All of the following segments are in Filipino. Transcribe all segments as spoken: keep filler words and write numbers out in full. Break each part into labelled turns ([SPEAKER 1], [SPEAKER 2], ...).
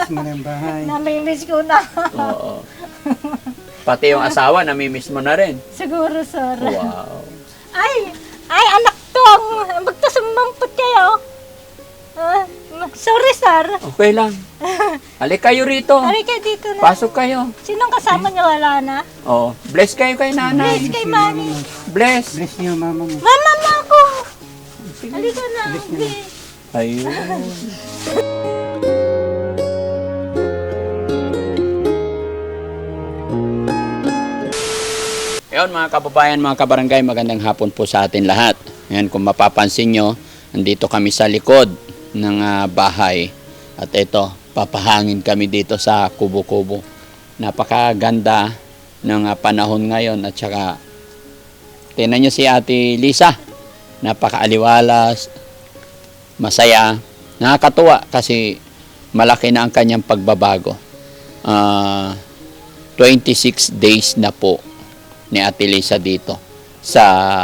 [SPEAKER 1] mo na yung bahay.
[SPEAKER 2] Namimiss ko na.
[SPEAKER 3] Oo. Pati yung asawa, namimiss mo na rin.
[SPEAKER 2] Siguro, sir.
[SPEAKER 3] Wow.
[SPEAKER 2] Ay, ay, anak tong. Magtasumampot kayo. Ah, sorry, sir.
[SPEAKER 3] Okay lang. Halik kayo rito.
[SPEAKER 2] Ari kayo dito na.
[SPEAKER 3] Pasok kayo.
[SPEAKER 2] Sinong kasama niyo? Wala na?
[SPEAKER 3] Oh, bless kayo kay nanay.
[SPEAKER 2] Bless kay mami.
[SPEAKER 3] Bless.
[SPEAKER 1] Bless niyo mama mo.
[SPEAKER 2] Mama mo ako. Halika na. Bless.
[SPEAKER 3] Ayun. Ayun mga kababayan, mga kabarangay, magandang hapon po sa atin lahat. Ngayon kung mapapansin nyo, nandito kami sa likod ng uh, bahay. At ito, papahangin kami dito sa kubo-kubo. Napakaganda ng uh, panahon ngayon at saka tingnan nyo si Ate Lisa. Napakaaliwalas, masaya, nakakatuwa kasi malaki na ang kanyang pagbabago. Uh, twenty-six days na po ni Ate Lisa dito sa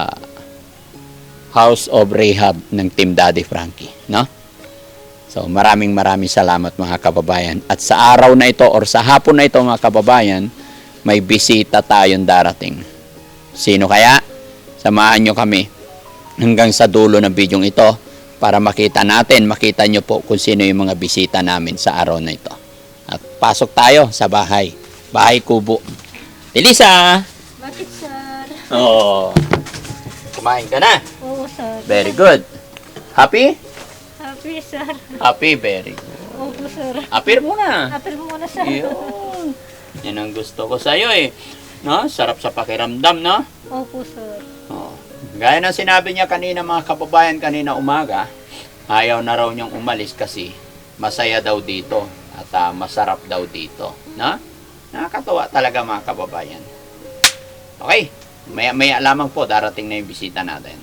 [SPEAKER 3] House of Rehab ng Team Daddy Frankie, no? So maraming maraming salamat mga kababayan. At sa araw na ito or sa hapon na ito mga kababayan, may bisita tayong darating. Sino kaya? Samahan nyo kami hanggang sa dulo ng bidyong ito para makita natin, makita nyo po kung sino yung mga bisita namin sa araw na ito. At pasok tayo sa bahay. Bahay kubo. Elisa!
[SPEAKER 2] Bakit, sir?
[SPEAKER 3] Oo. Kumain ka na?
[SPEAKER 2] Oo, sir.
[SPEAKER 3] Very good. Happy?
[SPEAKER 2] Happy, sir.
[SPEAKER 3] Happy, very good.
[SPEAKER 2] Opo, sir.
[SPEAKER 3] Apir muna.
[SPEAKER 2] Happy muna, sir.
[SPEAKER 3] Yun. Yan ang gusto ko sa'yo eh. No? Sarap sa pakiramdam, no?
[SPEAKER 2] Opo, sir.
[SPEAKER 3] Oo. Gaya ng sinabi niya kanina mga kababayan kanina umaga, ayaw na raw niyang umalis kasi masaya daw dito at uh, masarap daw dito. No? Nakakatawa talaga mga kababayan. Okay, may, may alamang po, darating na yung bisita natin.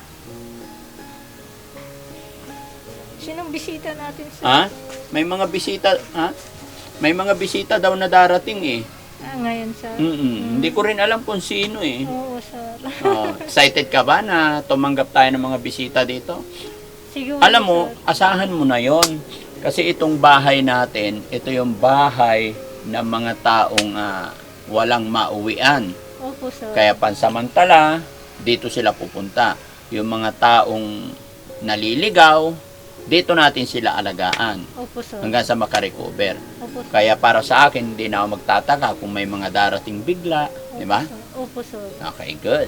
[SPEAKER 2] Sinong bisita natin, sir?
[SPEAKER 3] Ha? May mga bisita, ha? May mga bisita daw na darating eh.
[SPEAKER 2] Ah, ngayon, sir.
[SPEAKER 3] Mm-mm. Hindi ko rin alam kung sino eh.
[SPEAKER 2] Oo, sir.
[SPEAKER 3] Oh, excited ka ba na tumanggap tayo ng mga bisita dito?
[SPEAKER 2] Siguro,
[SPEAKER 3] Alam mo,
[SPEAKER 2] sir.
[SPEAKER 3] asahan mo na yon. Kasi itong bahay natin, ito yung bahay ng mga taong uh, walang mauwian.
[SPEAKER 2] Opo, sir.
[SPEAKER 3] Kaya pansamantala, dito sila pupunta. Yung mga taong naliligaw, dito natin sila alagaan
[SPEAKER 2] Opo, sir.
[SPEAKER 3] hanggang sa makarecover.
[SPEAKER 2] Opo, sir.
[SPEAKER 3] Kaya para sa akin, hindi na ako magtataka kung may mga darating bigla. Di ba?
[SPEAKER 2] Opo, sir.
[SPEAKER 3] Okay, good.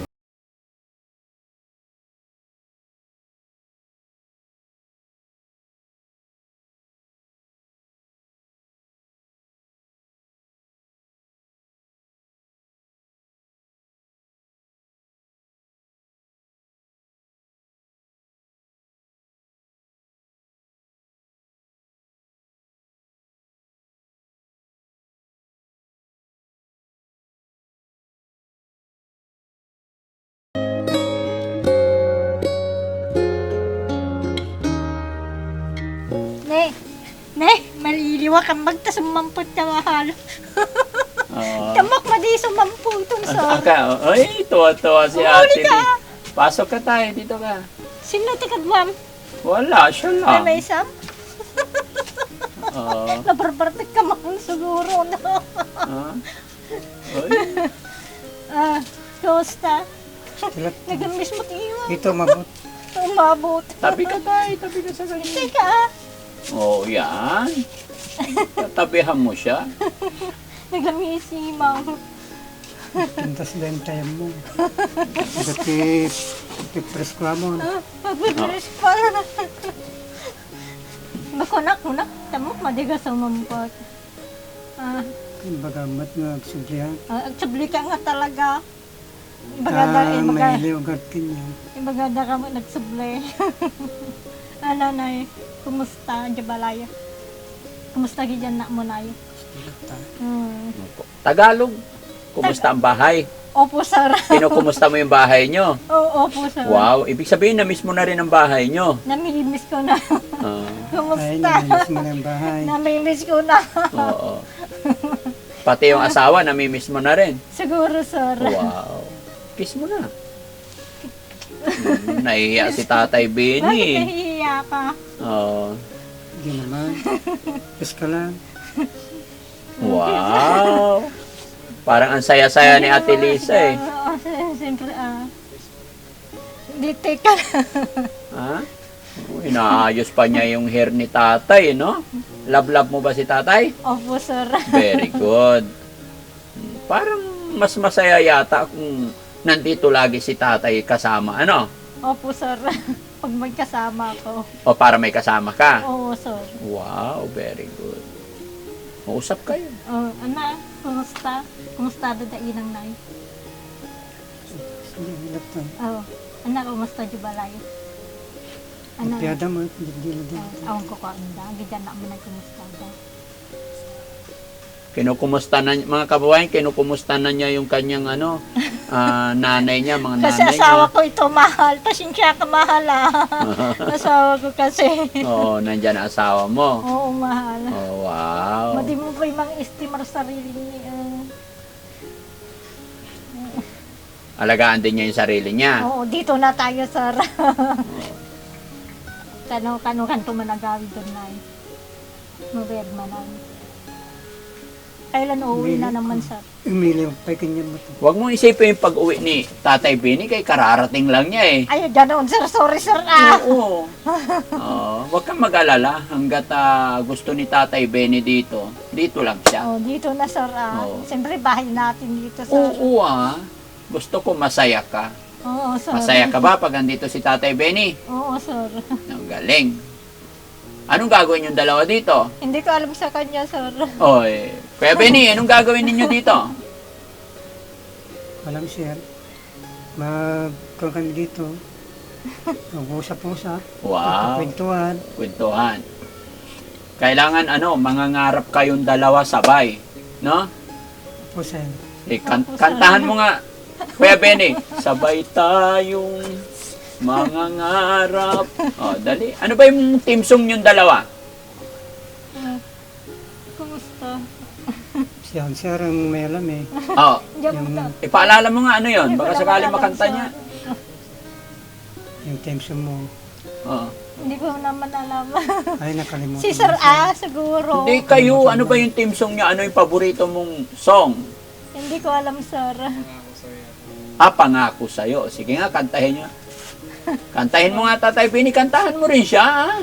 [SPEAKER 2] Ne, ne, maliliwa kang magtasumampot ka mahal.
[SPEAKER 3] Oo.
[SPEAKER 2] Tamak mo di sumampo itong sir.
[SPEAKER 3] Aka, ay, tuwa-tuwa si
[SPEAKER 2] Huli
[SPEAKER 3] Ate
[SPEAKER 2] ka.
[SPEAKER 3] Lee. Pasok ka tayo, dito ka.
[SPEAKER 2] Sino tikad, ma'am?
[SPEAKER 3] Wala, siya
[SPEAKER 2] Ay,
[SPEAKER 3] lang.
[SPEAKER 2] may isang?
[SPEAKER 3] Oo.
[SPEAKER 2] Nabarbartik ka man siguro na.
[SPEAKER 3] Ah. Ay,
[SPEAKER 2] Ah, kamusta?
[SPEAKER 1] Sila,
[SPEAKER 2] Nag-miss mo tiyo.
[SPEAKER 1] dito mabot.
[SPEAKER 2] Umabot.
[SPEAKER 3] tabi ka tayo, tabi ka sa ganyan.
[SPEAKER 2] Teka, ah.
[SPEAKER 3] Oo, oh, yan. Tatabihan mo siya.
[SPEAKER 2] Nag-miss si ma'am.
[SPEAKER 1] Tintas din tayo mo. Dati, tipres ko mo.
[SPEAKER 2] Ah, pagbibilis pa. Makunak, kunak. Tamo, madigas ang mampot. Ah,
[SPEAKER 1] Bagamat nga agsublihan.
[SPEAKER 2] ah, agsubli ka nga talaga. Ibagada,
[SPEAKER 1] Ah, may
[SPEAKER 2] ibagada.
[SPEAKER 1] liugat kanya.
[SPEAKER 2] Ibagada ka mo nagsubli. Ano na eh, kumusta, Jabalaya? Kumusta gijan na mo na eh? Hmm.
[SPEAKER 3] Tagalog. Kumusta ang bahay?
[SPEAKER 2] Opo, sir.
[SPEAKER 3] Kinukumusta mo yung bahay nyo?
[SPEAKER 2] Oo, opo, sir.
[SPEAKER 3] Wow, ibig sabihin na-miss mo na rin ang bahay nyo.
[SPEAKER 2] Namimiss ko na.
[SPEAKER 3] Ah,
[SPEAKER 1] Ay,
[SPEAKER 2] Kumusta?
[SPEAKER 1] namilis mo na yung bahay.
[SPEAKER 2] Namimiss ko na.
[SPEAKER 3] oo. Pati yung asawa, namimiss mo na rin.
[SPEAKER 2] Siguro, sir.
[SPEAKER 3] Wow. Kiss mo na. Hmm, nahihiya si Tatay
[SPEAKER 2] Bakit
[SPEAKER 3] Benny.
[SPEAKER 2] nahihiya ka?
[SPEAKER 3] Oo.
[SPEAKER 1] Hindi naman. Kiss ka lang.
[SPEAKER 3] Wow! Parang ang saya-saya ni Ate Lisa eh.
[SPEAKER 2] Oo, siyempre, ah. Dite ka.
[SPEAKER 3] Ha? Oh, inaayos pa niya yung hair ni tatay, no? Love-love mo ba si tatay?
[SPEAKER 2] Opo, sir.
[SPEAKER 3] Very good. Parang mas masaya yata kung nandito lagi si tatay kasama, ano?
[SPEAKER 2] Opo, sir. Pag may kasama ko.
[SPEAKER 3] O para may kasama ka?
[SPEAKER 2] Oo, sir.
[SPEAKER 3] Wow, very good. Mausap kayo.
[SPEAKER 2] Oh, anak, kumusta? Kumusta da inang nay?
[SPEAKER 1] Hindi, hilap to.
[SPEAKER 2] Oh, anak, kumusta di balay? Anak,
[SPEAKER 1] Piyada mo, hindi din.
[SPEAKER 2] oh, awan ko ko anda. Gidyan na mo na kumusta da.
[SPEAKER 3] Kinukumusta na, mga kababayan, kinukumusta na niya yung kanyang ano, ah, nanay niya, mga
[SPEAKER 2] Kasi
[SPEAKER 3] nanay
[SPEAKER 2] asawa
[SPEAKER 3] niya.
[SPEAKER 2] ko ito mahal. Pasensya ka mahal ah. Asawa ko kasi.
[SPEAKER 3] Oo, nandyan ang asawa mo.
[SPEAKER 2] Oo, mahal.
[SPEAKER 3] Oh, wow.
[SPEAKER 2] Madi mo ba yung mga estimar sarili niya?
[SPEAKER 3] Alagaan din niya yung sarili niya.
[SPEAKER 2] Oo, dito na tayo, sir. Kano, kano, kanto managawi doon na eh. Mabed manan. Kailan uuwi na naman, sir?
[SPEAKER 1] Umili yung pay kanya mo to.
[SPEAKER 3] Huwag mong isipin yung pag-uwi ni Tatay Benny, kay kararating lang niya eh.
[SPEAKER 2] Ay, ganoon, sir. Sorry, sir. Ah.
[SPEAKER 3] Oo. Oo. Huwag kang mag-alala hanggat ah, gusto ni Tatay Benny dito. Dito lang siya.
[SPEAKER 2] Oh, dito na, sir. Ah.
[SPEAKER 3] Oo.
[SPEAKER 2] Siyempre, bahay natin dito, sir.
[SPEAKER 3] Oo ah. Gusto ko masaya ka.
[SPEAKER 2] Oo, sir.
[SPEAKER 3] Masaya ka ba pag andito si Tatay Benny?
[SPEAKER 2] Oo, sir.
[SPEAKER 3] Ang galing. Anong gagawin yung dalawa dito?
[SPEAKER 2] Hindi ko alam sa kanya, sir.
[SPEAKER 3] Oy, Kuya Benny, anong gagawin ninyo dito?
[SPEAKER 1] Alam siya. Magkaroon kami dito. Mag-usap-usap.
[SPEAKER 3] Wow.
[SPEAKER 1] Kwentuhan.
[SPEAKER 3] Kwentuhan. Kailangan ano, mangangarap kayong dalawa sabay, no?
[SPEAKER 1] Po sir.
[SPEAKER 3] Eh, kan- kantahan mo nga, Kuya Benny. Sabay tayong mangangarap. Oh, dali. Ano ba yung team song yung dalawa?
[SPEAKER 2] Ah, kumusta?
[SPEAKER 1] Siya, sir, ang may alam eh.
[SPEAKER 3] Oh,
[SPEAKER 2] Diyan mo
[SPEAKER 1] Yung,
[SPEAKER 2] ta.
[SPEAKER 3] ipaalala mo nga ano yon.
[SPEAKER 2] Hindi ko
[SPEAKER 3] Baka
[SPEAKER 2] naman
[SPEAKER 3] sakali
[SPEAKER 2] alam,
[SPEAKER 3] makanta
[SPEAKER 2] sir.
[SPEAKER 3] niya.
[SPEAKER 1] yung tension mo.
[SPEAKER 3] Oh.
[SPEAKER 2] Hindi ko naman alam.
[SPEAKER 1] Ay, nakalimutan.
[SPEAKER 2] Si Sir A, siguro.
[SPEAKER 3] Hindi kayo, ano ba yung team song niya? Ano yung paborito mong song?
[SPEAKER 2] Hindi ko alam, sir.
[SPEAKER 3] Ah, pangako sa'yo. Sige nga, kantahin niyo. Kantahin mo nga, Tatay Benny. Kantahan mo rin siya, ah.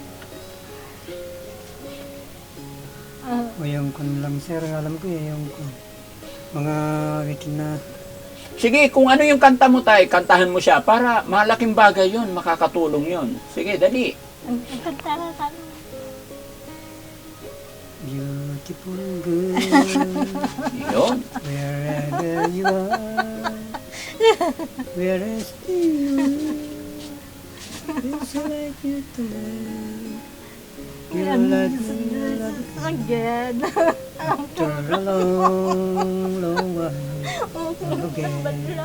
[SPEAKER 2] Ah,
[SPEAKER 1] O yung kun lang, sir, alam ko eh, yung kun. Mga wikin na.
[SPEAKER 3] Sige, kung ano yung kanta mo tayo, kantahan mo siya para malaking bagay yon, makakatulong yon. Sige, dali.
[SPEAKER 2] ang ang kanta na tayo.
[SPEAKER 1] Beautiful girl,
[SPEAKER 3] Yun.
[SPEAKER 1] wherever you are, wherever you are, it's like you tonight. You like me, like
[SPEAKER 2] Again.
[SPEAKER 1] after a long, long while. Again.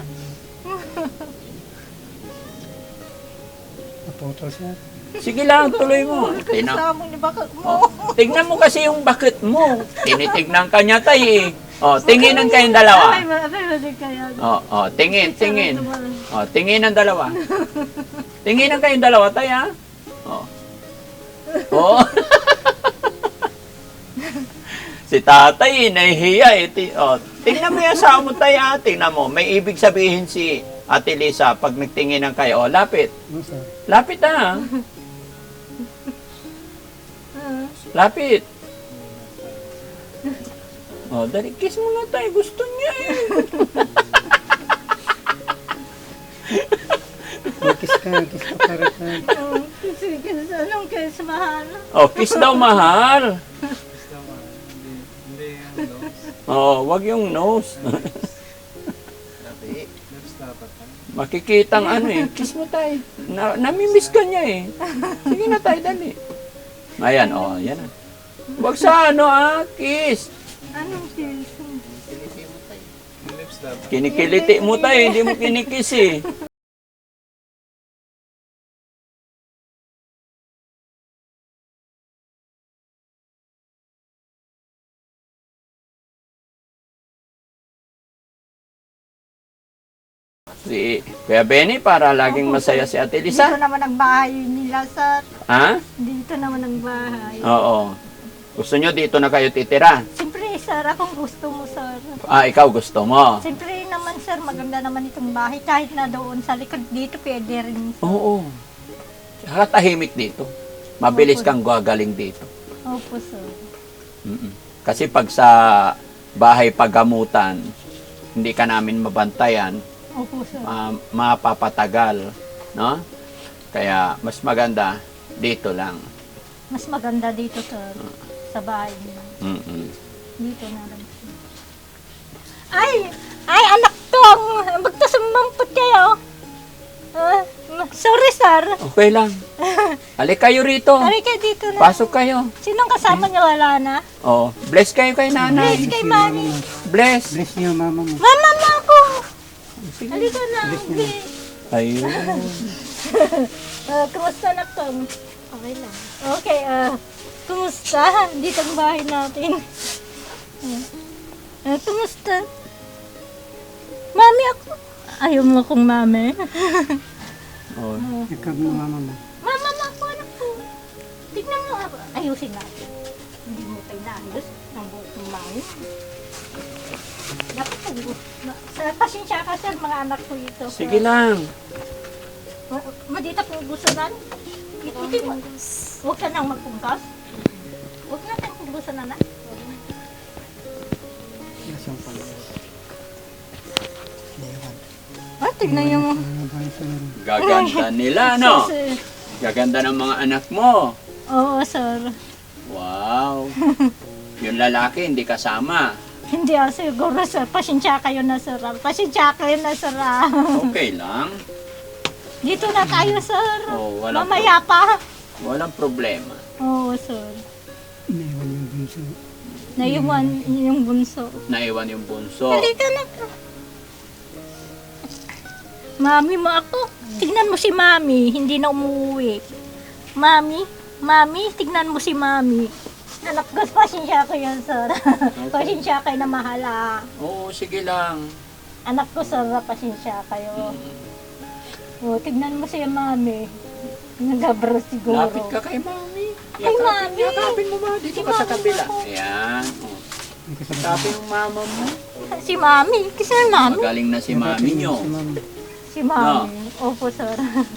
[SPEAKER 1] Naputol siya.
[SPEAKER 3] Sige lang, tuloy mo. Tina-
[SPEAKER 2] Kasama niyo bakit mo?
[SPEAKER 3] oh, tignan mo kasi yung bakit mo. Tinitignan ka niya tayo eh. Oh, tinginan kayong dalawa.
[SPEAKER 2] Ay, ma- ay, mali kaya.
[SPEAKER 3] Oh, oh, tingin, tingin. Oh, tingin ang dalawa. Tinginan kayong dalawa tayo, ha? Oh. Oh. Si tatay, eh, nahihiya eh. Ti- Oh, tingnan mo yung asawa mo tayo, ha? Tingnan mo. May ibig sabihin si Ate Lisa pag nagtinginan kayo. Oh, lapit.
[SPEAKER 1] Ano sir?
[SPEAKER 3] Lapit ha. Lapit. Oh, dali, kiss mo na tayo. Gusto niya eh.
[SPEAKER 1] Oh, kiss ka, kiss ka para ka.
[SPEAKER 2] Oh, sige, kasi anong kiss mahal?
[SPEAKER 3] Oh, kiss daw mahal. Oh, wag yung nose. Makikitang ano eh. Kiss mo tayo. Na, namimiss ka niya eh. Sige na tayo, dali. Ayan, oh, yan na. Wag sa ano ah, kiss.
[SPEAKER 2] Anong kiss?
[SPEAKER 3] Kinikiliti mo tayo, hindi mo kinikiss eh. Si Kuya Benny para laging masaya si Ate
[SPEAKER 2] Dito
[SPEAKER 3] Lisa.
[SPEAKER 2] naman ang bahay nila, sir.
[SPEAKER 3] Ha?
[SPEAKER 2] Dito naman ang bahay.
[SPEAKER 3] Oo. Gusto nyo dito na kayo titira?
[SPEAKER 2] Siyempre, sir, akong gusto mo, sir.
[SPEAKER 3] Ah, ikaw gusto mo?
[SPEAKER 2] Siyempre naman, sir, maganda naman itong bahay. Kahit na doon sa likod dito, pwede rin. Sir.
[SPEAKER 3] Oo. Tsaka tahimik dito. Mabilis
[SPEAKER 2] Opo.
[SPEAKER 3] kang gagaling dito.
[SPEAKER 2] Opo, sir.
[SPEAKER 3] Mm-mm. Kasi pag sa bahay pagamutan, hindi ka namin mabantayan,
[SPEAKER 2] Opo, sir.
[SPEAKER 3] ma- mapapatagal, no? Kaya mas maganda dito lang.
[SPEAKER 2] Mas maganda dito, sir. Sa bahay niyo.
[SPEAKER 3] Mm-mm.
[SPEAKER 2] Dito na lang. Ay! Ay, anak tong! Magtasumampot kayo. Ah, sorry, sir.
[SPEAKER 3] Okay lang. Halik kayo rito.
[SPEAKER 2] Sorry kayo dito na.
[SPEAKER 3] Pasok kayo.
[SPEAKER 2] Sinong kasama niyo? Wala na?
[SPEAKER 3] Oh, bless kayo kay nanay.
[SPEAKER 2] Bless kay mami.
[SPEAKER 3] Bless.
[SPEAKER 1] Bless niyo mama mo.
[SPEAKER 2] Mama mo ako! Halika na. Bless.
[SPEAKER 3] Ayun.
[SPEAKER 2] Ah, kumusta na tong?
[SPEAKER 4] Okay lang.
[SPEAKER 2] Okay, ah, kumusta? Dito ang bahay natin. Ah, kumusta? Mami ako. Ayaw mo akong mami.
[SPEAKER 3] Oh.
[SPEAKER 1] Ikaw mo mama mo.
[SPEAKER 2] Mama mo ako, anak ko. Tignan mo ako. Ayusin natin. Hindi mo tayo naayos ng buhok ng mami. Dapat po. Sa pasensya ka, sir, mga anak ko ito.
[SPEAKER 3] Sige lang.
[SPEAKER 2] Ma- Madita po gustunan. Hindi mo. Huwag ka nang magpungkas. Huwag na tayong punggusan na na.
[SPEAKER 1] Yes, yung pala. Lewan.
[SPEAKER 2] Ah, tignan yung...
[SPEAKER 1] Ano ba yung sir?
[SPEAKER 3] Gaganda nila, no?
[SPEAKER 2] Sir.
[SPEAKER 3] Gaganda ng mga anak mo.
[SPEAKER 2] Oo, sir.
[SPEAKER 3] Wow. Yung lalaki, hindi kasama.
[SPEAKER 2] Hindi ah, siguro, sir. Pasensya kayo na, sir. Pasensya kayo na, sir. ah.
[SPEAKER 3] Okay lang.
[SPEAKER 2] Dito na tayo, sir.
[SPEAKER 3] Oh, walang
[SPEAKER 2] Mamaya pa.
[SPEAKER 3] Walang problema.
[SPEAKER 2] Oo, sir.
[SPEAKER 1] Naiwan yung bunso.
[SPEAKER 2] Naiwan yung bunso.
[SPEAKER 3] Naiwan yung bunso.
[SPEAKER 2] Halika na. Mami mo ako. Tignan mo si Mami. Hindi na umuwi. Mami, Mami, tignan mo si Mami. Anak ko, pasensya ko yan, sir. Pasensya kayo na mahala.
[SPEAKER 3] Oo, sige lang.
[SPEAKER 2] Anak ko, sir, pasensya kayo. O, tignan mo si Mami. Nagabro siguro.
[SPEAKER 3] Lapit ka kay mami.
[SPEAKER 2] Kay mami.
[SPEAKER 3] Yakapin mo ba? Dito
[SPEAKER 2] Si
[SPEAKER 3] ka sa
[SPEAKER 2] mami
[SPEAKER 3] kabila.
[SPEAKER 2] ako.
[SPEAKER 3] Ayan. Oh.
[SPEAKER 1] May kasama.
[SPEAKER 3] Yakapin yung mama mo.
[SPEAKER 2] Si Mami. Kasi Mami.
[SPEAKER 3] Magaling na si mami nyo.
[SPEAKER 1] Si mami.
[SPEAKER 2] Si Mami. Opo, sir.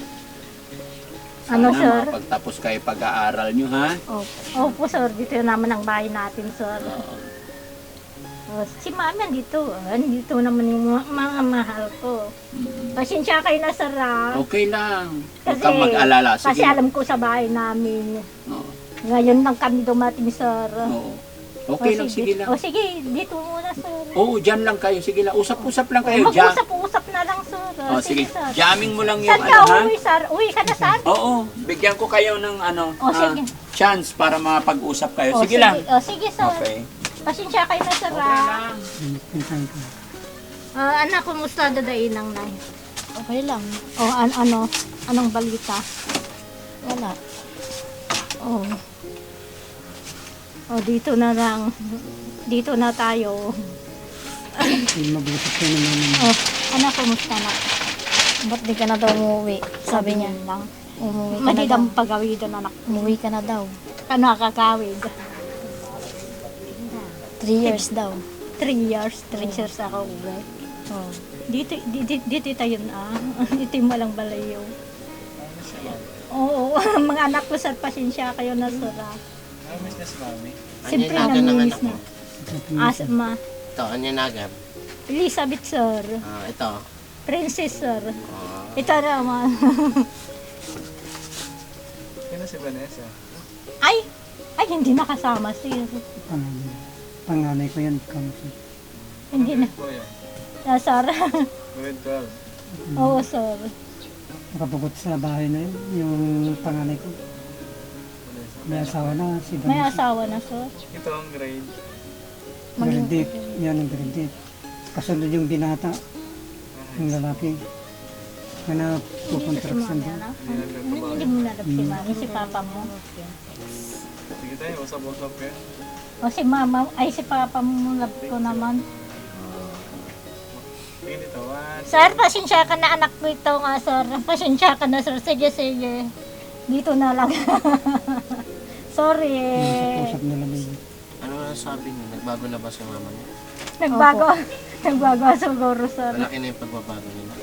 [SPEAKER 2] Ano,
[SPEAKER 3] Sana
[SPEAKER 2] sir?
[SPEAKER 3] makapagtapos kayo pag-aaral nyo, ha?
[SPEAKER 2] Opo. Opo, sir. Dito naman ang bahay natin, sir. O, si Mami andito. Andito naman yung mga, mga mahal ko. Pasensya kayo na, sir. ah.
[SPEAKER 3] Okay lang. Huwag
[SPEAKER 2] Kasi,
[SPEAKER 3] kang mag-alala.
[SPEAKER 2] kasi
[SPEAKER 3] Sige.
[SPEAKER 2] alam ko sa bahay namin.
[SPEAKER 3] Oo.
[SPEAKER 2] Ngayon lang kami dumating, sir.
[SPEAKER 3] Oo. Okay
[SPEAKER 2] O,
[SPEAKER 3] lang, sige lang.
[SPEAKER 2] O sige, dito muna, sir.
[SPEAKER 3] Oo, dyan lang kayo. Sige lang. Usap-usap lang kayo. Dyan.
[SPEAKER 2] Mag-usap-usap na lang, sir.
[SPEAKER 3] Oh, sige.
[SPEAKER 2] sir.
[SPEAKER 3] Jamming mo lang yung
[SPEAKER 2] Saan
[SPEAKER 3] ano,
[SPEAKER 2] ka
[SPEAKER 3] ha?
[SPEAKER 2] uwi, sir? Uwi ka na, sir?
[SPEAKER 3] Oo. Bigyan ko kayo ng ano,
[SPEAKER 2] Oh,
[SPEAKER 3] ah,
[SPEAKER 2] sige.
[SPEAKER 3] chance para mapag-usap kayo.
[SPEAKER 2] O,
[SPEAKER 3] Sige lang.
[SPEAKER 2] O, sige, sir.
[SPEAKER 3] Okay.
[SPEAKER 2] Pasensya kayo na, sir.
[SPEAKER 3] Okay
[SPEAKER 2] ah.
[SPEAKER 3] lang.
[SPEAKER 1] Pinsan ko.
[SPEAKER 2] Ah, anak, kumusta dadainang nay?
[SPEAKER 4] Okay lang.
[SPEAKER 2] O, an ano? Anong balita?
[SPEAKER 4] Wala.
[SPEAKER 2] Oh. O, dito na lang. Dito na tayo.
[SPEAKER 1] Yung mabuti ko na mama mo.
[SPEAKER 2] Oh, anak, kumusta na?
[SPEAKER 4] Ba't di ka na daw umuwi? Sabi niya.
[SPEAKER 2] lang.
[SPEAKER 4] Umuwi ka na daw.
[SPEAKER 2] Madidang pagawid anak.
[SPEAKER 4] Umuwi ka na daw.
[SPEAKER 2] Kano kakawid?
[SPEAKER 4] Three years daw.
[SPEAKER 2] Three years. Three years ako uwi.
[SPEAKER 4] Oh.
[SPEAKER 2] Dito, dito, dito tayo na. Dito yung walang balayo. Oo, mga anak ko, sir, pasensya kayo na, sir. ah.
[SPEAKER 5] Miss na si Mami.
[SPEAKER 2] Siyempre,
[SPEAKER 6] Ano yung
[SPEAKER 2] namimiss
[SPEAKER 6] anak
[SPEAKER 2] na. Asma.
[SPEAKER 6] Ito, Anyanagan.
[SPEAKER 2] Elizabeth, sir.
[SPEAKER 6] Ah, ito.
[SPEAKER 2] Princess, sir.
[SPEAKER 6] Ah,
[SPEAKER 2] Ito naman.
[SPEAKER 5] Sino si Vanessa?
[SPEAKER 2] Ay! Ay, hindi nakasama, sir.
[SPEAKER 1] Panganay. Panganay ko yan. Kamsi.
[SPEAKER 2] Hindi na.
[SPEAKER 5] Po yan.
[SPEAKER 2] Ah, sir.
[SPEAKER 5] Grade twelve.
[SPEAKER 2] Oo, sir.
[SPEAKER 1] Nakabugot sa bahay na yun. Yung panganay ko. May asawa na. Si
[SPEAKER 2] May
[SPEAKER 1] Vanessa.
[SPEAKER 2] asawa na, sir.
[SPEAKER 5] Ito ang grade.
[SPEAKER 1] Grade eight. Yan ang grade eight. Kasunod yung binata. Yung lalaki. Na
[SPEAKER 2] Hindi
[SPEAKER 1] napukontraction
[SPEAKER 2] si
[SPEAKER 1] doon.
[SPEAKER 2] mami, ano? Hindi mo nalap si mami, si papa mo.
[SPEAKER 5] Sige tayo, usap-usap kayo.
[SPEAKER 2] O si mama, ay si papa mo love ko naman.
[SPEAKER 5] Sige dito, one.
[SPEAKER 2] Sir, pasensya ka na anak ko ito nga, sir. Pasensya ka na, sir. Sige, sige. Dito na lang. Sorry.
[SPEAKER 1] Usap na lang yun.
[SPEAKER 6] ano na sabi niyo, nagbago na ba si mama niyo?
[SPEAKER 2] Nagbago. Nagbago siguro, sir.
[SPEAKER 6] Malaki na yung pagbabago nila.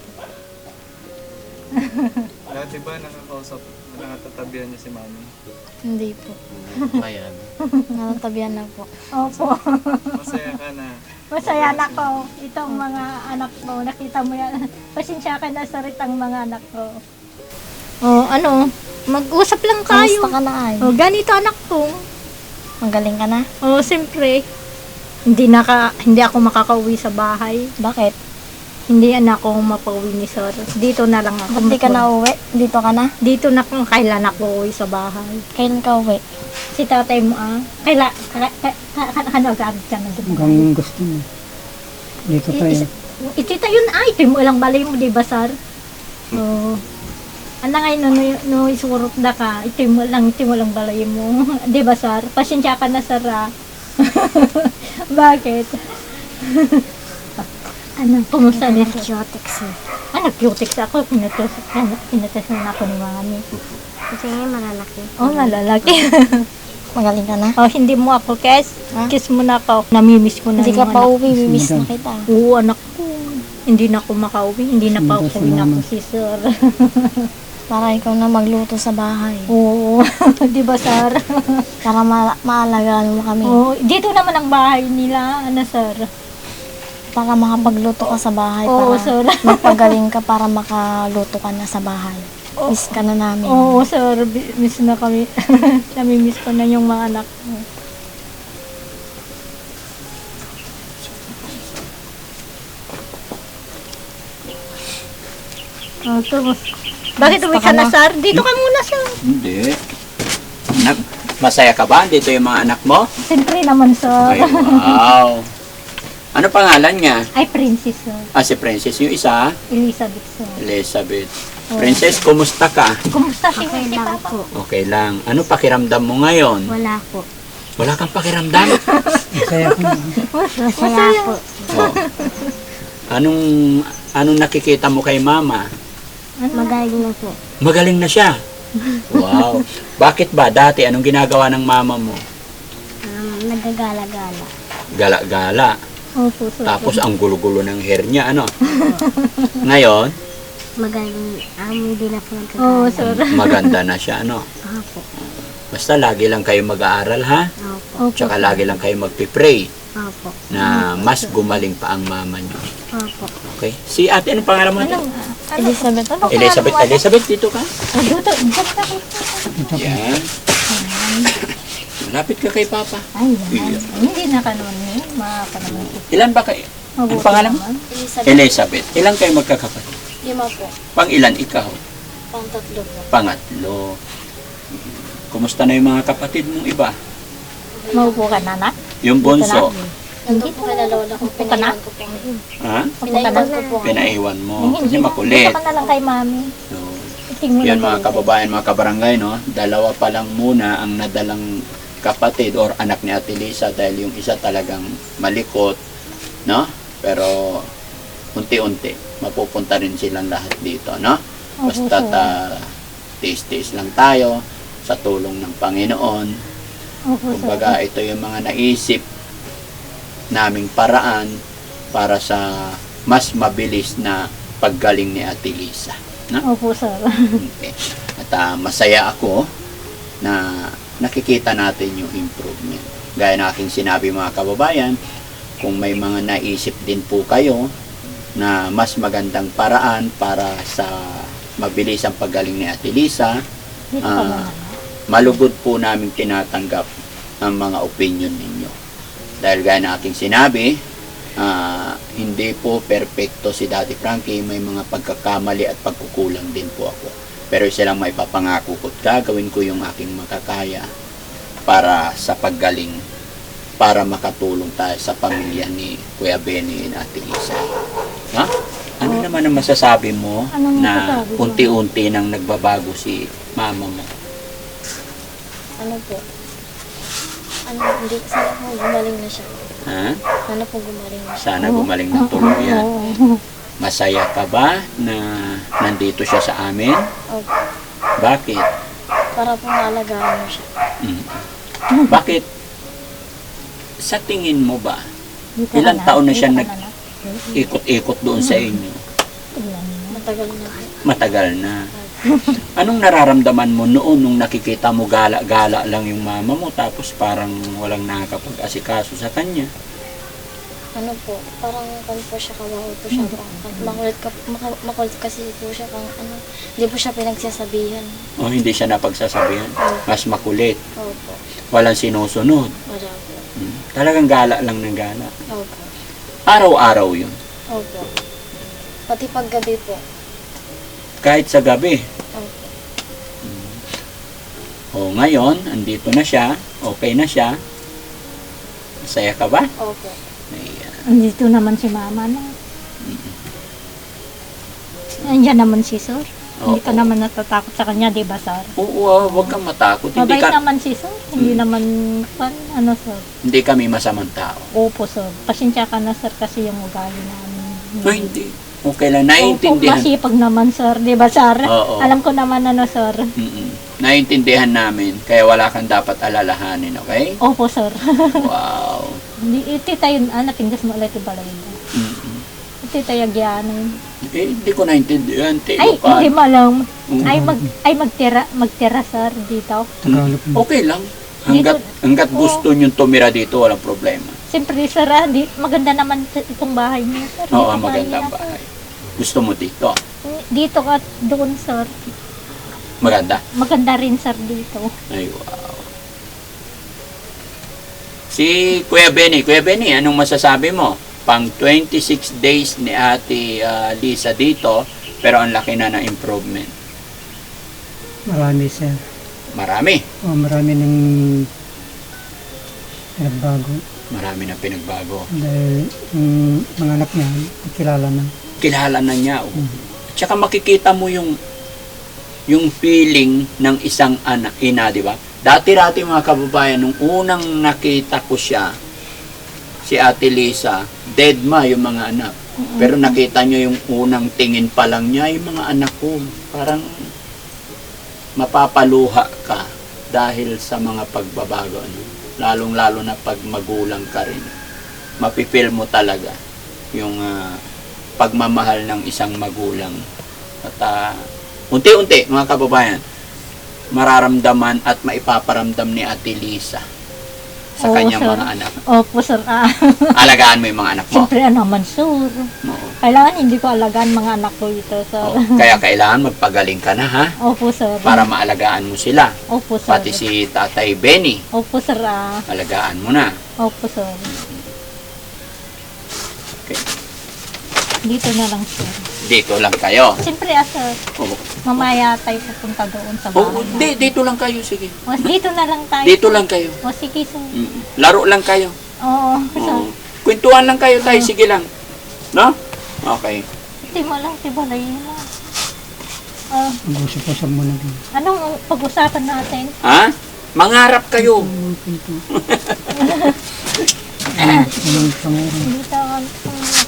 [SPEAKER 5] Dati ba nakakausap, nakatatabihan niya si mami?
[SPEAKER 4] Hindi po.
[SPEAKER 6] Ayan.
[SPEAKER 4] Natatabihan na po.
[SPEAKER 2] Opo.
[SPEAKER 5] Masaya ka na.
[SPEAKER 2] Masaya na ko. Itong mga anak ko, nakita mo yan. Pasensya ka na sa ritang mga anak ko. Oh, ano? Mag-usap lang tayo.
[SPEAKER 4] Kamusta ka na ay?
[SPEAKER 2] Oh, ganito anak ko.
[SPEAKER 4] Magaling ka na?
[SPEAKER 2] Oh, siyempre. Hindi naka hindi ako makakauwi sa bahay.
[SPEAKER 4] Bakit?
[SPEAKER 2] Hindi na ako mapauwi ni sir. Dito na lang ako.
[SPEAKER 4] Ba't di ka na uwi? Dito ka na?
[SPEAKER 2] Dito na kung kailan ako uwi sa bahay.
[SPEAKER 4] Kailan ka uwi?
[SPEAKER 2] Si tatay mo ah. Kaila, ka, ka, ka, ka, ano sabi siya na dito.
[SPEAKER 1] Hanggang gusto mo. Dito tayo.
[SPEAKER 2] Itita yun ay, ito mo lang balay mo, di ba, sir? So, ano ngayon, no, no, no isurot na ka, ito mo lang, ito mo lang balay mo. Di ba, sir? Pasensya ka na, sir, ah. Bakit? Ano, kumusta ni sir?
[SPEAKER 4] Cutics eh.
[SPEAKER 2] Ah, nag-cutics ako, pinatas, pinatas na ako ni mami.
[SPEAKER 4] Kasi ngayon malalaki.
[SPEAKER 2] Oh, malalaki.
[SPEAKER 4] Magaling ka na?
[SPEAKER 2] Oh, hindi mo ako kiss.
[SPEAKER 4] Ha?
[SPEAKER 2] Kiss mo na ako. Namimiss ko na
[SPEAKER 4] Hindi
[SPEAKER 2] yung
[SPEAKER 4] ka pa
[SPEAKER 2] anak.
[SPEAKER 4] uwi, mimiss na kita.
[SPEAKER 2] Oo, anak ko. Hindi na ako makauwi. Hindi na pa
[SPEAKER 1] Hindi
[SPEAKER 2] ako
[SPEAKER 1] si
[SPEAKER 2] na ako
[SPEAKER 1] mama.
[SPEAKER 2] si sir.
[SPEAKER 4] Para ikaw na magluto sa bahay.
[SPEAKER 2] Oo. Di ba, sir?
[SPEAKER 4] Para ma- maalagaan mo kami.
[SPEAKER 2] Oo. Dito naman ang bahay nila. Ano, sir?
[SPEAKER 4] Para makapagluto ka sa bahay.
[SPEAKER 2] Oo,
[SPEAKER 4] para
[SPEAKER 2] sir.
[SPEAKER 4] magpagaling ka para makaluto ka na sa bahay. Miss ka na namin.
[SPEAKER 2] Oo, sir. Bi- Miss na kami. Namimiss ko na yung mga anak ko. Oh, tumus. Bakit uwi ka na, sir? Dito ka muna, sir.
[SPEAKER 3] Hindi. Anak, masaya ka ba? Dito yung mga anak mo?
[SPEAKER 2] Siyempre naman, sir.
[SPEAKER 3] Ay, wow. Ano pangalan niya?
[SPEAKER 2] Ay, princess, sir.
[SPEAKER 3] Ah, si Princess. Yung isa,
[SPEAKER 2] Elizabeth, sir.
[SPEAKER 3] Elizabeth. Princess, kumusta ka?
[SPEAKER 2] Kumusta si, si Papa?
[SPEAKER 3] Okay lang. Ano pakiramdam mo ngayon?
[SPEAKER 2] Wala po.
[SPEAKER 3] Wala kang pakiramdam?
[SPEAKER 1] Masaya ko.
[SPEAKER 2] Masaya po.
[SPEAKER 3] Oh. Anong, anong nakikita mo kay mama?
[SPEAKER 4] Magaling na po.
[SPEAKER 3] Magaling na siya. Wow. Bakit ba? Dati, anong ginagawa ng mama mo?
[SPEAKER 4] Um, nagagala-gala.
[SPEAKER 3] Gala-gala.
[SPEAKER 2] Opo, sir.
[SPEAKER 3] Tapos ang gulo-gulo ng hair niya, ano? Ngayon,
[SPEAKER 4] Magaling, um, hindi na po
[SPEAKER 2] Oo, sir.
[SPEAKER 3] maganda na siya, ano?
[SPEAKER 4] Opo.
[SPEAKER 3] Basta lagi lang kayo mag-aaral, ha?
[SPEAKER 4] Opo.
[SPEAKER 3] Tsaka lagi lang kayo magpipray
[SPEAKER 4] Opo.
[SPEAKER 3] na mas gumaling pa ang mama niyo.
[SPEAKER 4] Opo.
[SPEAKER 3] Okay? Si ate, anong pangalan mo?
[SPEAKER 2] Anong, ano?
[SPEAKER 4] Elizabeth, ano?
[SPEAKER 3] Elizabeth. Elizabeth, dito ka?
[SPEAKER 2] Oh, dito, dito ka.
[SPEAKER 3] Yan. Malapit ka kay Papa.
[SPEAKER 2] Ay, yan. Hindi na kanon eh. Makakanaman ko.
[SPEAKER 3] Ilan ba kayo? Ang pangalan mo?
[SPEAKER 4] Elizabeth,
[SPEAKER 3] Elizabeth. Ilan kayo magkakapatid?
[SPEAKER 4] lima po.
[SPEAKER 3] Pang ilan ikaw?
[SPEAKER 4] Pang tatlo po.
[SPEAKER 3] Pangatlo. Kumusta na yung mga kapatid mong iba?
[SPEAKER 2] Maupo ka na, nak?
[SPEAKER 3] Yung bunso.
[SPEAKER 4] Nandun po kay lola ko,
[SPEAKER 2] Upo ka na?
[SPEAKER 4] pinaiwan ko po.
[SPEAKER 3] Ha?
[SPEAKER 2] Upo ka na?
[SPEAKER 4] Pinaiwan ko po.
[SPEAKER 3] Pinaiwan mo.
[SPEAKER 2] Hindi
[SPEAKER 3] Kasi
[SPEAKER 2] na.
[SPEAKER 3] makulit.
[SPEAKER 2] Upo ka na lang kay mami.
[SPEAKER 3] So,
[SPEAKER 2] Iting mo
[SPEAKER 3] yan
[SPEAKER 2] na
[SPEAKER 3] mga
[SPEAKER 2] kayo.
[SPEAKER 3] kababayan, mga kabarangay, no? Dalawa pa lang muna ang nadalang kapatid or anak ni Ate Lisa dahil yung isa talagang malikot, no? Pero unti-unti mapupunta rin silang lahat dito, no? Basta ta tiis-tiis lang tayo sa tulong ng Panginoon.
[SPEAKER 2] Opo, sir.
[SPEAKER 3] Kumbaga, ito yung mga naisip naming paraan para sa mas mabilis na paggaling ni Ate Lisa. No?
[SPEAKER 2] Opo, sir.
[SPEAKER 3] Okay. At ah, masaya ako na nakikita natin yung improvement. Gaya na aking sinabi mga kababayan, kung may mga naisip din po kayo na mas magandang paraan para sa mabilis ang paggaling ni Ate Lisa,
[SPEAKER 2] Dito ka
[SPEAKER 3] Ah,
[SPEAKER 2] na.
[SPEAKER 3] malugod po namin tinatanggap ang mga opinion ninyo. Dahil gaya na aking sinabi, ah, hindi po perfecto si Daddy Frankie, may mga pagkakamali at pagkukulang din po ako. Pero isa lang may papangako ko, gagawin ko yung aking makakaya para sa paggaling, para makatulong tayo sa pamilya ni Kuya Benny at Ate Lisa. Ha? Ano naman ang masasabi mo
[SPEAKER 2] Anong
[SPEAKER 3] na
[SPEAKER 2] masasabi ko?
[SPEAKER 3] unti-unti nang nagbabago si mama mo?
[SPEAKER 4] Ano po? Ano, hindi, sana po gumaling na siya.
[SPEAKER 3] Ha?
[SPEAKER 4] Sana po gumaling na siya.
[SPEAKER 3] Sana gumaling ng tuluyan. Masaya ka ba na nandito siya sa amin?
[SPEAKER 4] Opo.
[SPEAKER 3] Bakit?
[SPEAKER 4] Para po maalagaan mo siya.
[SPEAKER 3] Mm. Bakit? sa tingin mo ba,
[SPEAKER 2] Dito
[SPEAKER 3] ilang
[SPEAKER 2] ka
[SPEAKER 3] taon na
[SPEAKER 2] dito
[SPEAKER 3] siya
[SPEAKER 2] ka
[SPEAKER 3] nag-
[SPEAKER 2] na.
[SPEAKER 3] ikot-ikot doon sa inyo?
[SPEAKER 2] Tignan mo.
[SPEAKER 4] Matagal na po.
[SPEAKER 3] Matagal na. Anong nararamdaman mo noon nung nakikita mo gala-gala lang yung mama mo tapos parang walang nakakapag-asikaso sa kanya?
[SPEAKER 4] Ano po, parang kan po siya kawawa po siya. Makulit, ka, maka- makulit kasi po siya kang ano, hindi po siya pinagsasabihan.
[SPEAKER 3] O hindi siya napagsasabihan? Mas makulit.
[SPEAKER 4] Opo,
[SPEAKER 3] Walang sinusunod.
[SPEAKER 4] wala po.
[SPEAKER 3] Hmm. Talagang gala lang ng gala.
[SPEAKER 4] Opo,
[SPEAKER 3] Araw-araw yun.
[SPEAKER 4] opo. Pati paggabi po.
[SPEAKER 3] Kahit sa gabi.
[SPEAKER 4] Opo.
[SPEAKER 3] O ngayon, andito na siya. Okay na siya. Masaya ka ba?
[SPEAKER 4] Opo.
[SPEAKER 3] Ayan.
[SPEAKER 2] Andito naman si mama na. Andiyan naman si sir. Hindi ka
[SPEAKER 3] Oo.
[SPEAKER 2] naman natatakot sa kanya, di ba, sir?
[SPEAKER 3] Oo, ah, huwag kang matakot. Hindi,
[SPEAKER 2] Mabait
[SPEAKER 3] ka,
[SPEAKER 2] naman si sir. Hindi
[SPEAKER 3] Hmm.
[SPEAKER 2] naman, pan, ano, sir.
[SPEAKER 3] hindi kami masamang tao.
[SPEAKER 2] Opo, sir. Pasensya ka na, sir, kasi yung ugali namin.
[SPEAKER 3] No, hindi. Okay lang.
[SPEAKER 2] Opo,
[SPEAKER 3] Naiintindihan.
[SPEAKER 2] masipag naman, sir. Di ba, sir?
[SPEAKER 3] Oo.
[SPEAKER 2] Alam ko naman, ano, sir.
[SPEAKER 3] Mm-mm. Naiintindihan namin. Kaya wala kang dapat alalahanin, okay?
[SPEAKER 2] Opo, sir.
[SPEAKER 3] Wow.
[SPEAKER 2] Hindi, iti tayo, ah, napindas mo ulit yung balay mo.
[SPEAKER 3] Mm-mm.
[SPEAKER 2] Iti tayo agyanin.
[SPEAKER 3] Eh, hindi ko naintindihan. Teo
[SPEAKER 2] Ay,
[SPEAKER 3] ka.
[SPEAKER 2] hindi mo alam.
[SPEAKER 3] Mm.
[SPEAKER 2] Ay, mag, ay magtira, magtira, sir, dito.
[SPEAKER 1] Tagalog mo.
[SPEAKER 3] Okay lang. Hanggat, hanggat
[SPEAKER 2] Oo.
[SPEAKER 3] gusto nyo tumira dito, walang problema.
[SPEAKER 2] Siyempre, sir, ah, di, maganda naman sa- itong bahay niyo, sir.
[SPEAKER 3] Oo,
[SPEAKER 2] Dito
[SPEAKER 3] magandang
[SPEAKER 2] kaya,
[SPEAKER 3] bahay. Gusto mo dito?
[SPEAKER 2] sir. Dito ka doon, sir.
[SPEAKER 3] Maganda.
[SPEAKER 2] Maganda rin, sir, dito.
[SPEAKER 3] Ay, wow. Si Kuya Benny. Kuya Benny, anong masasabi mo? Pang twenty-six days ni Ate ah, Lisa dito, pero ang laki na ng improvement.
[SPEAKER 1] Marami sir.
[SPEAKER 3] Marami.
[SPEAKER 1] O, marami ng nagbago.
[SPEAKER 3] Marami na pinagbago.
[SPEAKER 1] Dahil yung mga anak niya, kilala na.
[SPEAKER 3] Kilala na niya. Oh. Tsaka makikita mo yung yung feeling ng isang anak, ina, di ba? Dati-dati mga kababayan, nung unang nakita ko siya, si Ate Lisa, dead ma yung mga anak. Pero nakita niyo yung unang tingin pa lang niya, yung mga anak ko, parang mapapaluha ka dahil sa mga pagbabago. Ano? Lalong-lalo na pag magulang ka rin. Mapipil mo talaga yung ah, pagmamahal ng isang magulang. At ah, unti-unti, mga kababayan, mararamdaman at maipaparamdam ni Ate Lisa sa
[SPEAKER 2] Oo,
[SPEAKER 3] kanyang
[SPEAKER 2] sir.
[SPEAKER 3] mga anak.
[SPEAKER 2] Opo, sir. Ah,
[SPEAKER 3] Alagaan mo yung mga anak mo.
[SPEAKER 2] siyempre, ano naman, sir.
[SPEAKER 3] Oo.
[SPEAKER 2] Kailangan hindi ko alagaan mga anak ko ito, sir.
[SPEAKER 3] Oo. Kaya kailangan magpagaling ka na, ha?
[SPEAKER 2] Opo, sir.
[SPEAKER 3] Para maalagaan mo sila.
[SPEAKER 2] Opo, sir.
[SPEAKER 3] Pati si Tatay Benny,
[SPEAKER 2] Opo, sir. Ah.
[SPEAKER 3] alagaan mo na.
[SPEAKER 2] Opo, sir.
[SPEAKER 3] Okay.
[SPEAKER 2] Dito na lang, sir.
[SPEAKER 3] Dito lang kayo.
[SPEAKER 2] Siyempre, ah, sir.
[SPEAKER 3] Oo.
[SPEAKER 2] Mamaya tayo pupunta doon sa
[SPEAKER 3] Oo,
[SPEAKER 2] bahay.
[SPEAKER 3] di, dito lang kayo, sige.
[SPEAKER 2] O, dito na lang tayo.
[SPEAKER 3] Dito lang kayo.
[SPEAKER 2] O, sige, sir.
[SPEAKER 3] Mm. Laro lang kayo.
[SPEAKER 2] Oo, sir.
[SPEAKER 3] Oo. Kwentuhan lang kayo, tayo. Sige lang. No? Okay.
[SPEAKER 2] Hindi mo lang, tibalay mo. Ah,
[SPEAKER 1] Mag-usap-usap mo na din.
[SPEAKER 2] anong pag-usapan natin?
[SPEAKER 3] Ha? Mangarap kayo.
[SPEAKER 1] Anong pangalan?
[SPEAKER 2] Dito, um,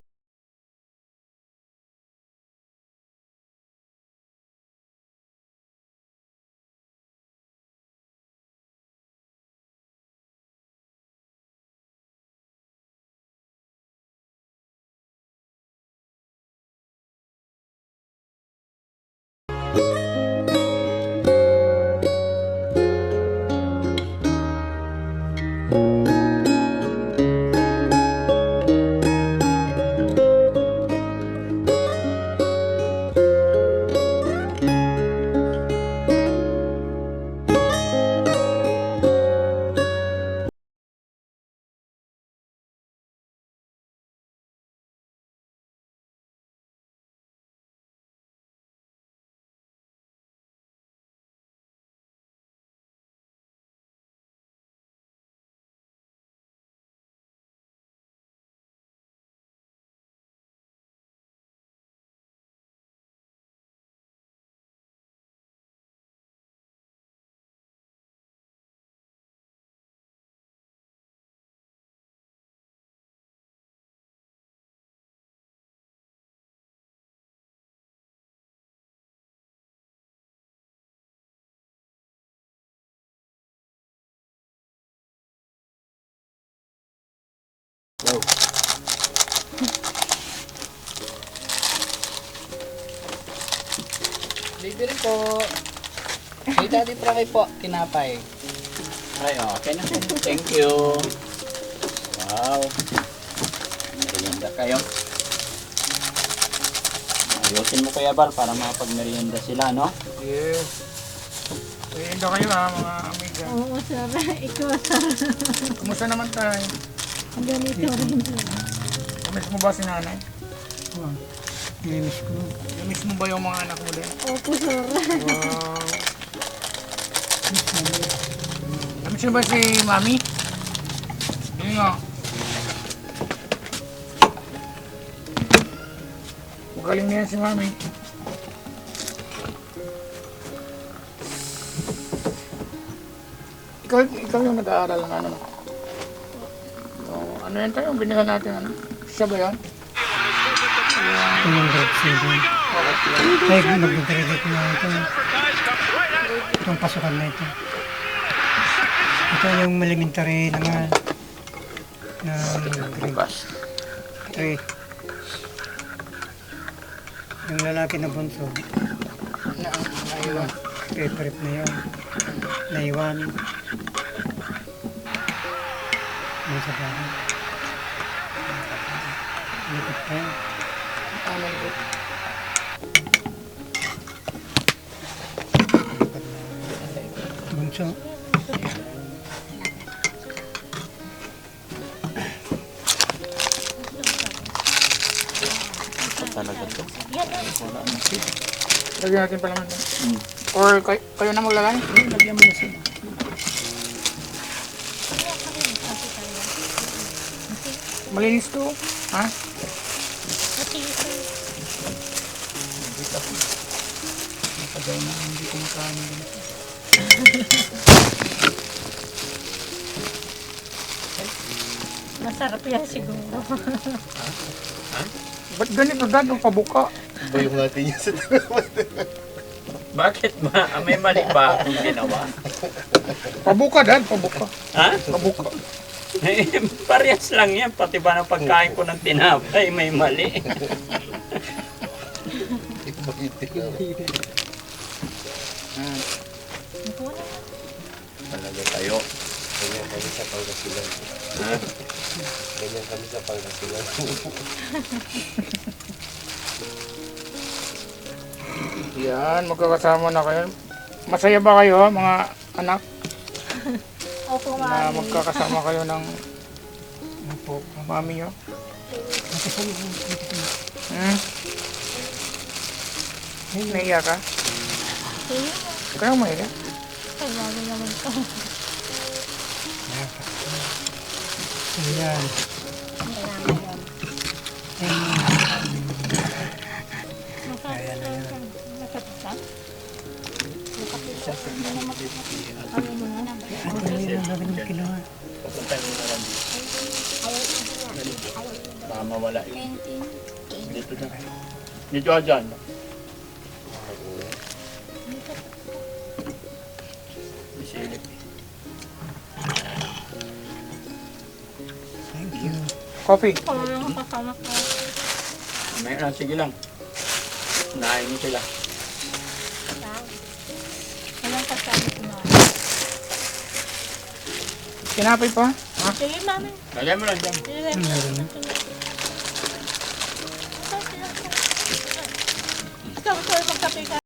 [SPEAKER 3] daw.
[SPEAKER 7] Libre po. Kay Daddy Frankie po, tinapay.
[SPEAKER 3] Ay, okay na. Thank you. Wow. Merienda kayo. Ayusin mo Kuya Bal para makapag-merienda sila, no?
[SPEAKER 5] Yes. Ayun daw kayo ha, mga amiga.
[SPEAKER 2] Oo, sir. Ikaw, sir.
[SPEAKER 5] Kumusta naman tayo?
[SPEAKER 2] Ang ganito rin.
[SPEAKER 5] Kamiss mo ba si nanay?
[SPEAKER 1] Wow. Nimiss ko.
[SPEAKER 5] Kamiss mo ba yung mga anak mo din?
[SPEAKER 2] Opo, sir.
[SPEAKER 5] Wow. Kamiss mo ba si mami? Yun nga. Magaling na yan si mami. Ikaw, ikaw yung nag-aaral ng ano? Oh, ano yan tayo? Binila natin ano? Siya ba yan?
[SPEAKER 1] Ito yung grade seven. Ay, mag-graduate na ito. Itong pasukan na ito. Ito yung elementary naman. Ng grade three. Yung lalaki na bunso,
[SPEAKER 5] Na, naiwan.
[SPEAKER 1] paper na yun. Naiwan. Ano sa bahay? Likot pa yan.
[SPEAKER 5] Ano yun?
[SPEAKER 1] Bunso.
[SPEAKER 3] Talaga to.
[SPEAKER 5] Lagyan natin pala naman. Or kayo, kayo na maglagay?
[SPEAKER 3] Lagyan mo na sila.
[SPEAKER 5] Malinis to. Ha? Matagal na hindi kumakain.
[SPEAKER 2] Masarap yan siguro.
[SPEAKER 5] Ba't ganito dad? Ang pabuka.
[SPEAKER 6] Bayong natin niya sa
[SPEAKER 3] Bakit ba? May mali ba akong ginawa?
[SPEAKER 5] Pabuka dad, pabuka.
[SPEAKER 3] Ha?
[SPEAKER 5] Pabuka.
[SPEAKER 3] Eh, parehas lang yan. Pati ba ng pagkain ko ng tinapay, may mali. Talaga tayo.
[SPEAKER 6] Ganyan kami sa Pangasinan.
[SPEAKER 3] Ha?
[SPEAKER 6] Ganyan kami sa Pangasinan.
[SPEAKER 5] Yan, magkakasama na kayo. Masaya ba kayo mga anak
[SPEAKER 2] Opo,
[SPEAKER 5] na
[SPEAKER 2] mami.
[SPEAKER 5] magkakasama kayo ng ano po, mami nyo? Hmm? Naiya ka? Kaya maiya?
[SPEAKER 2] Ay, mami naman ko.
[SPEAKER 1] Ayan. Ano yun ang gagawin ng kiluha?
[SPEAKER 3] Papunta mo na lang dito. Baka mawala yun. Dito na. Dito ka dyan. May silip.
[SPEAKER 1] Thank you.
[SPEAKER 5] Coffee.
[SPEAKER 2] Ako lang kasama ko.
[SPEAKER 3] May na, sige lang. Nahin mo sila.
[SPEAKER 2] Walang kasama si mami.
[SPEAKER 5] Tinapay pa? Ha?
[SPEAKER 2] Sige, mami.
[SPEAKER 3] Lagay mo lang dyan.
[SPEAKER 2] Sige,
[SPEAKER 1] Meron na.
[SPEAKER 2] ikaw, sir, magkape ka.